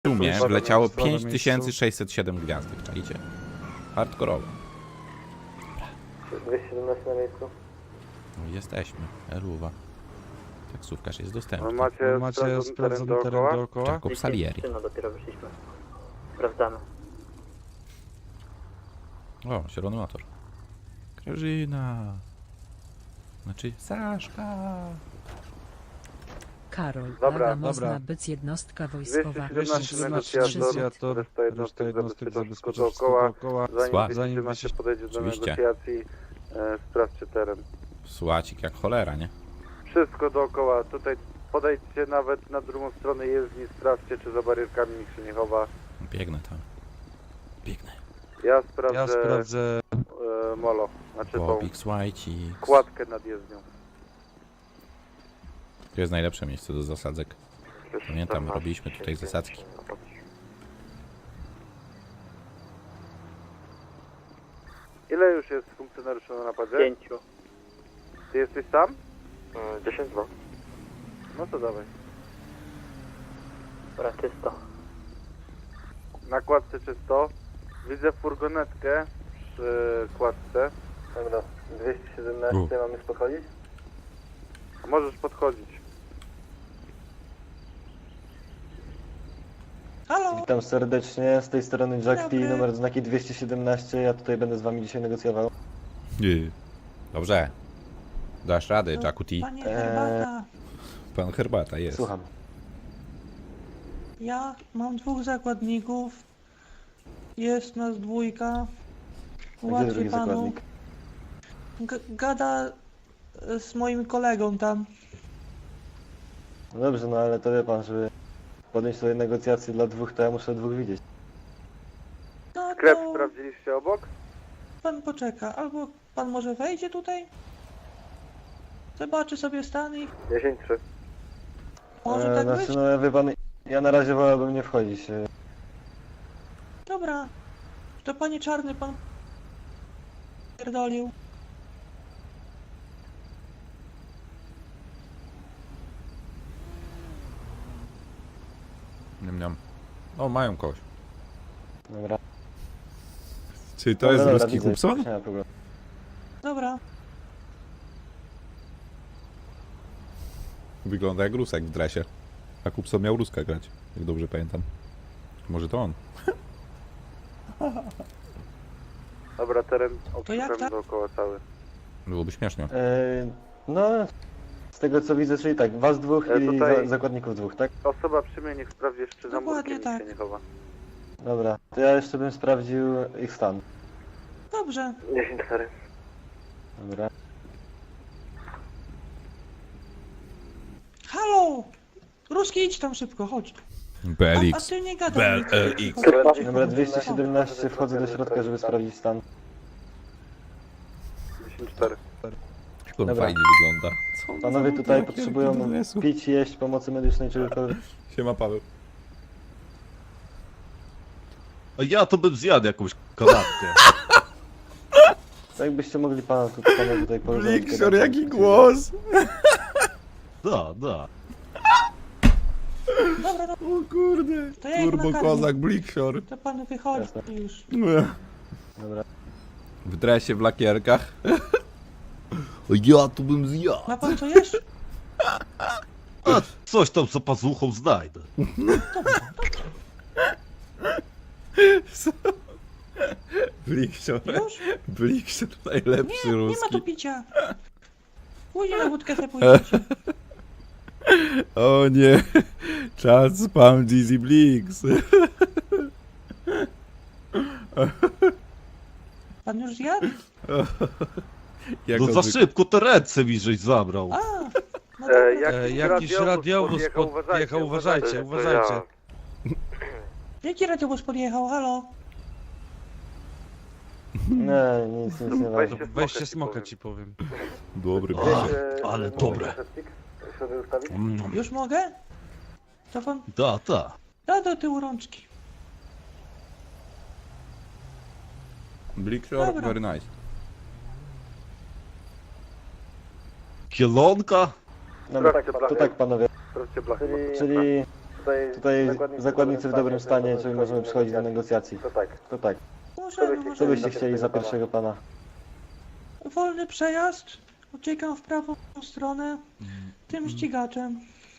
W sumie wleciało 5607 gwiazdek, czajcie? Hardkorowo. 217 na miejscu. No jesteśmy, Eruwa. Taksówkarz jest dostępny. Macie sprawdzony teren dookoła? Jakob Salieri. No dopiero wyszliśmy. Sprawdzamy. O, zielony motor. Grażyna. Znaczy Saszka. Karol, Dobra, Aga można dobra. być jednostka wojskowa. 217 negocjator, reszta jednostek zabezpiecza wszystko dookoła. Słab. Zanim Zanim się podejdzie do Oczywiście. negocjacji, sprawdźcie teren. Słacik jak cholera, nie? Wszystko dookoła, tutaj podejdźcie nawet na drugą stronę jezdni, sprawdźcie czy za barierkami nikt się nie chowa. Biegnę tam. Biegnę. Ja sprawdzę, Ja sprawdzę. molo, znaczy tą Bobik, Słajcik. kładkę nad jezdnią. To jest najlepsze miejsce do zasadzek. Pamiętam, robiliśmy tutaj zasadzki. Ile już jest funkcjonariuszy na napadzie? 5. Ty jesteś sam? 10 2. No to dawaj. Dobra, czysto. Na kładce czysto. Widzę furgonetkę przy kładce. Dobra, 217 mamy już podchodzić? Możesz podchodzić. Halo, Witam serdecznie, z tej strony Jack P, Dobry. numer znaki 217, ja tutaj będę z wami dzisiaj negocjował. Dobrze. Dasz radę, Jacku T. panie Herbata. Pan Herbata jest. Słucham. Ja mam 2 zakładników. Jest nas 2. A gdzie Ułatwię drugi panu. zakładnik? Gada z moim kolegą tam. No dobrze, no ale to wie pan, żeby podjąć sobie negocjacje dla 2, to ja muszę 2 widzieć. No Sklep to sprawdziliście obok? pan poczeka. Albo pan może wejdzie tutaj? Zobaczy sobie stan i 10-3. może tak znaczy, być? no wie pan, ja na razie wolałbym nie wchodzić. Dobra. To panie czarny, pan pierdolił. Niam, niam. O, mają kogoś. Dobra. Czy to jest Dobra, ruski widzę, Hubson? nie ma problemu. Dobra. Wygląda jak Rusek w dresie. A Hubson miał Ruska grać, jak dobrze pamiętam. Może to on. Dobra, teren jak obszukamy tak? dookoła cały. Byłoby śmiesznie. No, z tego co widzę, czyli tak, was 2 i tutaj- zakładników 2, tak? Osoba przy mnie niech sprawdzi jeszcze za Dokładnie murkiem, nikt tak. się nie chowa. Dobra, to ja jeszcze bym sprawdził ich stan. Dobrze. 10-4. Dobra. Halo! Ruski, idź tam szybko, chodź. A BLX. ty nie gadaj. BLX. Dobra, 217, wchodzę do środka, żeby sprawdzić stan. 10-4. Jak on Dobra. fajnie wygląda. Co on Panowie za tutaj motyl, potrzebują jaki dresu. pić, jeść, pomocy medycznej, czegokolwiek. Siema Paweł. A ja to bym zjadł jakąś kanapkę. Tak byście mogli pana tutaj porozmawiać. Blikszor, jaki głos! Da, da. Dobra, dobra, O kurde. To ja ich Turbo nakarmię. kozak Blikszor. to panu wychodzi Jasne. już. Dobra. W dresie, w lakierkach. O, ja tu bym zjadł. Ma pan co jeść? A coś tam za pazuchą znajdę. Blikszor. Już? Blikszor najlepszy Nie, nie ma ruski. tu picia. Później na wódkę sobie pójdziecie. O nie. Czas spam Dizzy Blix. Pan już zjadł? Jak No on za wy- szybko te ręce mi żeś zabrał. A, no dobra. Jakiś radiowóz podjechał, uważajcie, uważajcie. Jaki radiowóz podjechał? Halo? Nie, nic nie ważne. Weźcie smoka ci powiem. Dobry. Ale dobre. Już mogę? To pan Da, da. da do tyłu rączki. Blikszor, Dobra. very nice. Kielonka? Dobra, to tak panowie, Sprawdźcie blachy. czyli Tutaj zakładnicy w dobrym stanie, czyli możemy przychodzić do negocjacji. To tak. Możemy, Co byście możemy. chcieli za pierwszego pana? Wolny przejazd. Uciekam w prawą stronę. Tym ścigaczem.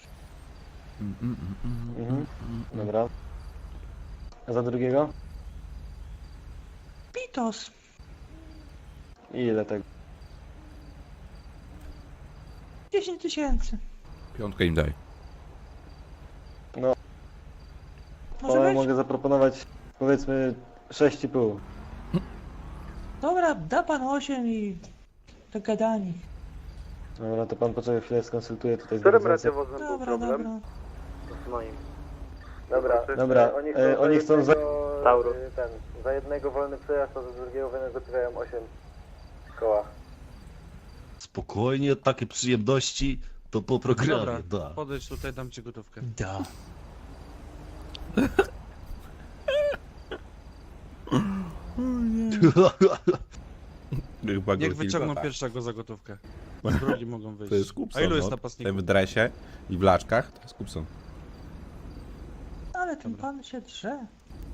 Mhm. Dobra. A za drugiego? Pitos. I ile tego? 10 tysięcy. Piątkę im daj. Może O, być? mogę zaproponować powiedzmy 6,5. Dobra, da pan 8 i dogadani. Dobra, to pan poczekaj chwilę, skonsultuję tutaj z Którym organizacją. radiowozem był Dobra, problem? dobra. Z moim. Dobra, oni chcą za... Taurus. Za jednego wolny przejazd, a za drugiego wynegocjują 8 koła. Spokojnie, takie przyjemności to po programie, Dobra, da. podejdź tutaj, dam ci gotówkę. Da. Chyba go Niech wyciągną kilka, tak. pierwszego za gotówkę. Z drogi mogą wyjść. To jest Kupson, A ilu jest no. napastników? Ten w dresie i w laczkach, to jest Kupson. Ale ten pan się drze.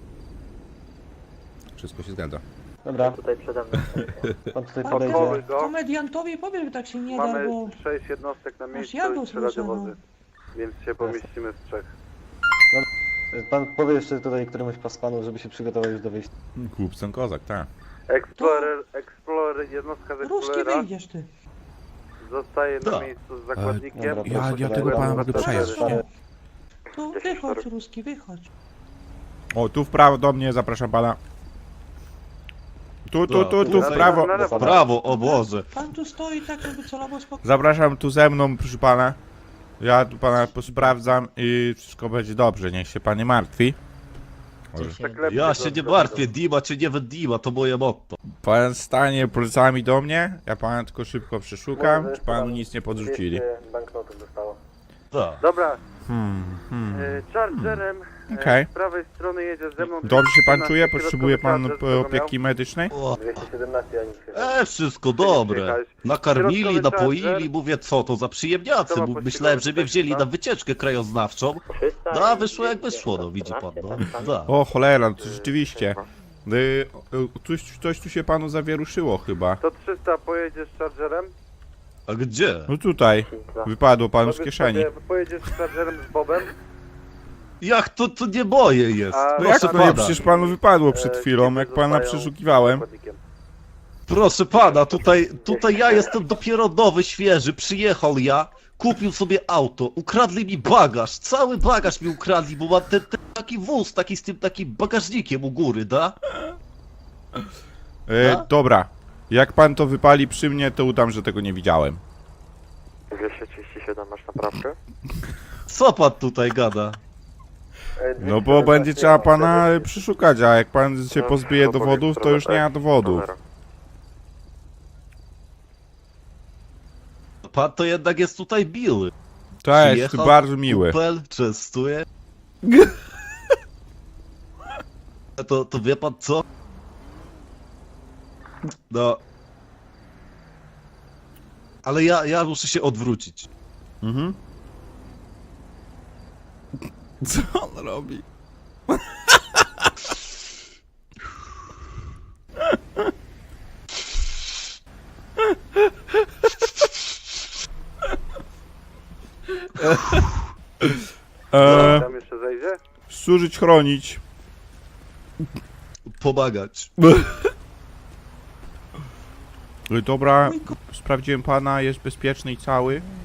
Wszystko się zgadza. Dobra, Tutaj przede mną. pan tutaj Pan podejdzie. Odwołuj go. komediantowi powiem, że tak się nie da, Mamy bo... 6 jednostek na miejscu jadą i 3 słyszę, radiowozy. Więc się pomieścimy z 3. Pan powie jeszcze tutaj któremuś z panów, żeby się przygotował już do wyjścia. Kupson kozak, tak. Explorer, jednostka z Ruski Explorera wyjdziesz ty. zostaje na Da. miejscu z zakładnikiem. Dobra, Ja proszę tego pana, pana mogę proszę przejeść, pana. nie? Tu wychodź, Ruski, wychodź. O, tu w prawo do mnie, zapraszam pana. Tu w Dobra, prawo. na lewo. Brawo, o Boże. Pan tu stoi tak, żeby celowo spokojnie. Zapraszam tu ze mną, proszę pana. Ja tu pana posprawdzam i wszystko będzie dobrze, niech się pan nie martwi. Może. Przeklepcie Ja go się z nie przodu. martwię, Dima czy nie Dima, to moje motto. Pan stanie plecami do mnie, ja pana tylko szybko przeszukam, Może czy panu tam nic nie podrzucili. 200 banknotów dostało. Da. Dobra, Hmm. Chargerem Okej. z prawej strony jedzie ze mną. Dobrze się pan 217 czuje? Potrzebuje pan środkowy Charger, opieki medycznej? O, 217, a nic nie wszystko dobre. Nakarmili, napoili, mówię co to za przyjemniacy, bo myślałem, że mnie wzięli na wycieczkę krajoznawczą. No, a wyszło jak wyszło, no widzi pan, no. Da. O cholera, no to rzeczywiście. Coś tu się panu zawieruszyło chyba. To 300 pojedziesz z Chargerem? A gdzie? No tutaj, wypadło panu z kieszeni. Pojedziesz z Chargerem z Bobem? Jak to nie moje jest? A No jak Proszę to nie, pana, przecież panu wypadło przed chwilą, jak pana Zostają przeszukiwałem. zakładnikiem. proszę pana, tutaj ja jestem dopiero nowy, świeży, przyjechał ja, kupił sobie auto, ukradli mi bagaż, cały bagaż mi ukradli, bo mam ten taki wóz, taki z tym takim bagażnikiem u góry, da? Dobra, jak pan to wypali przy mnie, to udam, że tego nie widziałem. 237 masz naprawkę? Co pan tutaj gada? No bo będzie trzeba pana przeszukać, a jak pan się pozbije dowodów, to już nie ma dowodów. Pan to jednak jest tutaj miły. Cześć, Przyjechał, ty bardzo miły. Kupel, częstuje. To wie pan co? No. Ale ja muszę się odwrócić. Mhm. Co on robi? Tam jeszcze zejdzie? Służyć, chronić. Pomagać. Dobra, sprawdziłem pana, jest bezpieczny i cały.